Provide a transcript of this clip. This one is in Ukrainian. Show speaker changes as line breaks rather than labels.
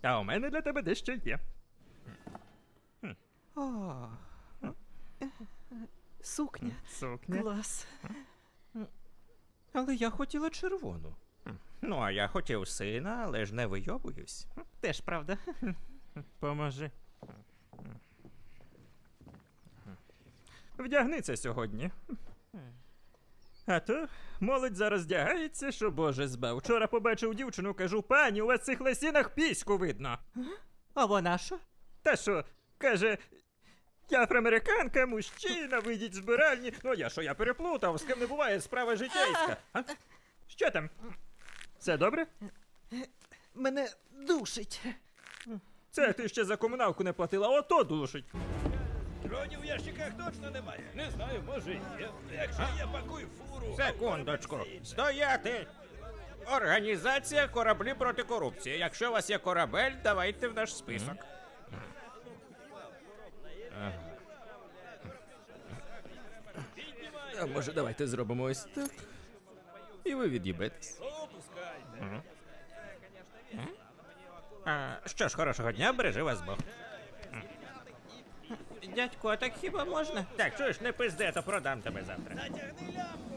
А у мене для тебе дещо є.
О, сукня.
Сукня.
Клас. Але я хотіла червону.
Ну, а я хотів сина, але ж не вийобуюсь.
Теж правда.
Поможи. Вдягни це сьогодні. А то молодь зараз вдягається, що Боже збав. Вчора побачив дівчину, кажу, пані, у вас в цих лосінах піську видно.
А вона що?
Та що, каже, я афроамериканка, мужчина, вийдіть з збиральні. Ну я переплутав, з ким не буває, справа житейська. А? Що там? Все добре?
Мене душить.
Це ти ще за комуналку не платила, ото душить.
Дронів в ящиках точно немає. Не знаю, може і є. Якщо є, пакуй фуру.
Секундочку. Стояти! Організація «Кораблі проти корупції». Якщо у вас є корабель, давайте в наш список. А може давайте зробимо ось так? І ви від'їбетесь.
Опускай.
Що ж, хорошого дня, бережи вас Бог. Дядько, а так хіба можна? Так, чуєш, не пизди, а то продам тебе завтра.
Натягни лямку.